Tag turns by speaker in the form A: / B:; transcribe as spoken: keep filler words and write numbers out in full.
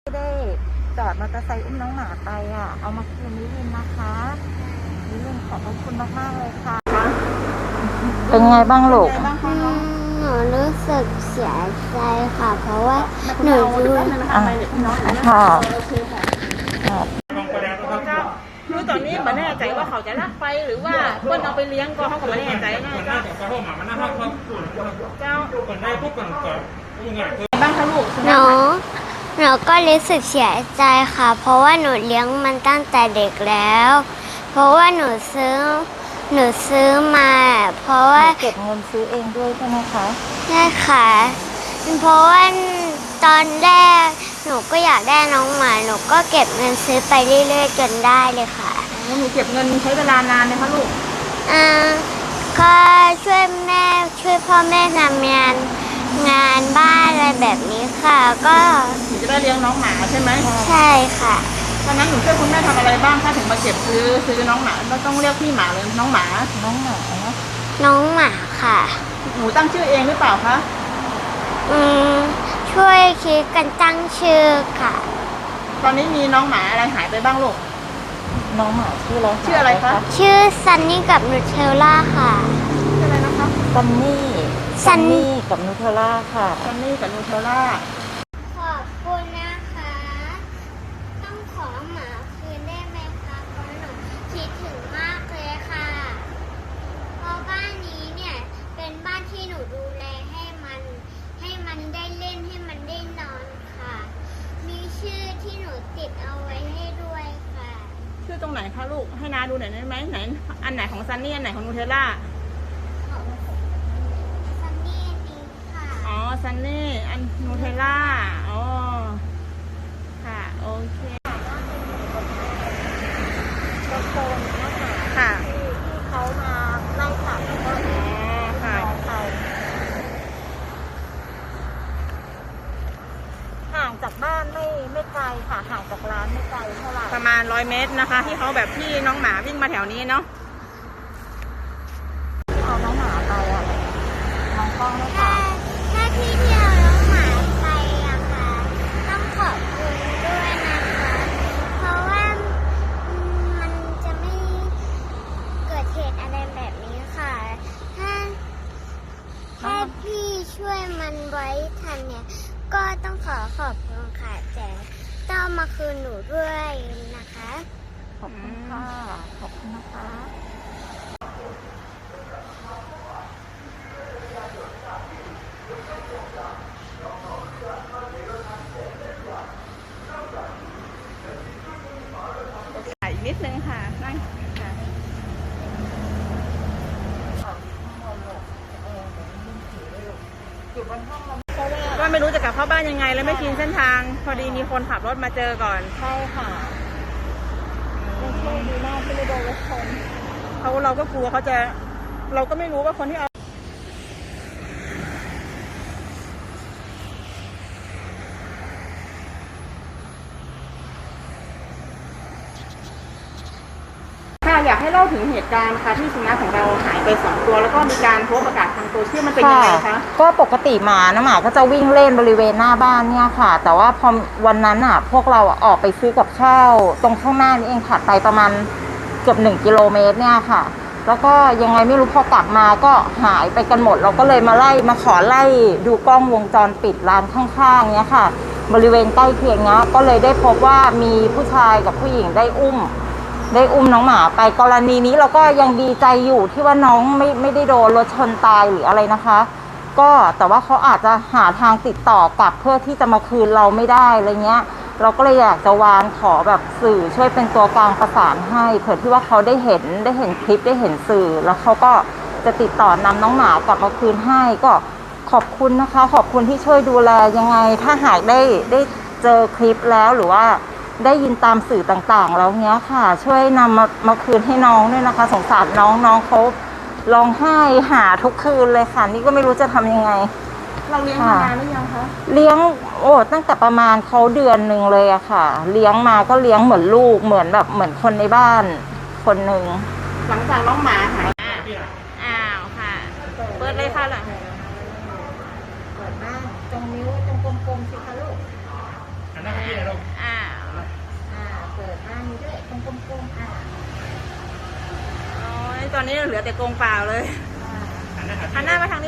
A: ได้จอดมอเตอร์ไซค์อุ้มน้องหมาไปอ่ะเอามาคืนนิรินนะคะนิรินขอบคุณมากๆเลยค่ะเป็นไงบ้างลูก
B: หนูรู้สึกเสียใจค่ะเพราะว่าหนูดู
A: ค่ะ
C: คือตอนนี้ไม่แน่ใจว่าเขาจะรักไปหรือว่าเพื่อนเอาไปเลี้ยงก็เขาก็ไม่แน่ใจนะเจ้าเจ้าก่อนได้พวกก่อนก่อนบ้างคะลูก
B: หนูหนูก็รู้สึกเสียใจค่ะเพราะว่าหนูเลี้ยงมันตั้งแต่เด็กแล้วเพราะว่าหนูซื้อหนูซื้อมาเพราะว่า
A: เก็บเงินซื้อเองด้วยใช่ไหมคะ
B: ใช่ค่ะเพราะว่าตอนแรกหนูก็อยากได้น้องหมาหนูก็เก็บเงินซื้อไปเรื่อยๆจนได้เลยค่ะ
C: หนูเก็บเงินใช้เวลานานไหมคะลูก
B: อ่าก็ช่วยแม่ช่วยพ่อแม่ทำงานงานบ้านอะไรแบบนี้ค่ะก็
C: หนูจะได้เลี้ยงน้องหมาใช่ไหม
B: ใช่ค่ะ
C: ตอนนั้นหนูช่วยคุณแม่ทำอะไรบ้างคะถึงมาเก็บซื้อซื้อน้องหมาเราต้องเรียกพี่หมาเลยน้องหมา
A: น้องหมา
B: น้องหมาค่ะ
C: หนูตั้งชื่อเองหรือเปล่าคะ
B: อืมช่วยคิดกันตั้งชื่อค่ะ
C: ตอนนี้มีน้องหมาอะไรหายไปบ้างลูก
A: น้องหมาชื่ออะไร
C: ชื่ออะไรคะ
B: ชื่อซันนี่กับนูเทลล่าค่ะ
C: ชื่ออะไรนะคะ
A: ซันนี่ซันนี่กับนูเทลล่าค่ะ
C: ซันนี่กับนูเทลล่า
B: ขอบคุณนะคะต้องขอหมาคืนได้ไหมคะเพราะหนูคิดถึงมากเลยค่ะเพราะบ้านนี้เนี่ยเป็นบ้านที่หนูดูแลให้มันให้มันได้เล่นให้มันได้นอนค่ะมีชื่อที่หนูติดเอาไว้ให้ด้วยค่ะ
C: ชื่อตรงไหนคะลูกให้น้าดูหน่อยได้ไหมไหนอันไหนของซันนี่อันไหนของนูเทลล่า
B: ซันนี่นี้ค่ะ
C: อ๋อซันนี่อันนูเทลล่าอ๋อค่ะโอเคค่ะ
A: ที่เขามาไล่ขับแล้วก็
C: ค่ะ
A: ห่างจากบ้านไม่ไม่ไกลค่ะห่างจากร้านไม่ไกลเท่าไหร่
C: ประมาณร้อยเมตรนะคะที่เขาแบบที่น้องหมาวิ่งมาแถวนี้เนาะ
A: ที่เอาน้องหมาไปอ่ะน้องกล้องด้วยค่ะ
B: ถ้าที่ที่เอาน้องหมาไปอะค่ะต้องขอบคุณด้วยนะคะเพราะว่ามันจะไม่เกิดเหตุอะไรแบบนี้ค่ะถ้าถ้าพี่ช่วยมันไว้ทันเนี่ยก็ต้องขอขอบคุณค่ะแต่ต้องมาคืนหนูด้วยนะคะ
A: ขอบคุณค่ะขอบคุณนะคะ
C: อีกนิดนึงค่ะนั่งค่ะ
A: อยู่บนห้องเรา
C: ก็ไม่รู้จะกลับเข้าบ้านยังไงแล้วไม่ชินเส้นทางพอดีมีคนขับรถมาเจอก่อน
A: ใช่ค่ะเป็นโชคดีมากที่ไม่โดนรถชน
C: เขาเราก็กลัวเขาจะเราก็ไม่รู้ว่าคนที่เอาค่ะอยากให้เล่าถึงเหตุการณ์ค่ะที่สุนัขของเราหายไปสองตัวแล้วก็มีการโพสต์ประกาศทางโซเชียลมันเป็นยังไงคะ
A: ก็ปกติหมานะหมาก็จะวิ่งเล่นบริเวณหน้าบ้านเนี่ยค่ะแต่ว่าพอวันนั้นอ่ะพวกเราออกไปซื้อกับข้าวตรงข้างหน้านี่เองถัดไปประมาณเกือบหนึ่งกิโลเมตรเนี่ยค่ะแล้วก็ยังไงไม่รู้พอกลับมาก็หายไปกันหมดเราก็เลยมาไล่มาขอไล่ดูกล้องวงจรปิดร้านข้างๆเนี้ยค่ะบริเวณใกล้เคียงเนี้ยก็เลยได้พบว่ามีผู้ชายกับผู้หญิงได้อุ้มได้อุ้มน้องหมาไปกรณีนี้เราก็ยังดีใจอยู่ที่ว่าน้องไม่ไม่ได้โดนรถชนตายหรืออะไรนะคะก็แต่ว่าเขาอาจจะหาทางติดต่อกลับเพื่อที่จะมาคืนเราไม่ได้อะไรเงี้ยเราก็เลยอยากจะวานขอแบบสื่อช่วยเป็นตัวกลางประสานให้เผื่อที่ว่าเขาได้เห็นได้เห็นคลิปได้เห็นสื่อแล้วเขาก็จะติดต่อนำน้องหมากลับมาคืนให้ก็ขอบคุณนะคะขอบคุณที่ช่วยดูแลยังไงถ้าหากได้ได้เจอคลิปแล้วหรือว่าได้ยินตามสื่อต่างๆแล้วเนี้ยค่ะช่วยนำมามาคืนให้น้องด้วยนะคะสงสารน้องน้องเขาร้องไห้หาทุกคืนเลยค่ะนี่ก็ไม่รู้จะทำยังไง
C: เราเลี้ยงมานานหรือยังคะ
A: เลี้ยงโอ้ตั้งแต่ประมาณเขาเดือนหนึ่งเลยอะค่ะเลี้ยงมาก็เลี้ยงเหมือนลูกเหมือนแบบเหมือนคนในบ้านคนหนึ่ง
C: หลังจากน้องหมาหายอ้าวค่ะเปิดเลยค่ะล่ะ
A: เปิดบ้านตรงนิ้วตรงกลมๆสิคะลูก
D: อัหน้าที่ไหนลูก
C: อ่า
A: อ่าเปิดหน้านี้ด้วยตรงกลมๆอ่า
C: โอ้ยตอนนี้เหลือแต่กรงเปล่าเลย
A: อ่า
D: หันหน้าหา
C: หันหน้ามาทาง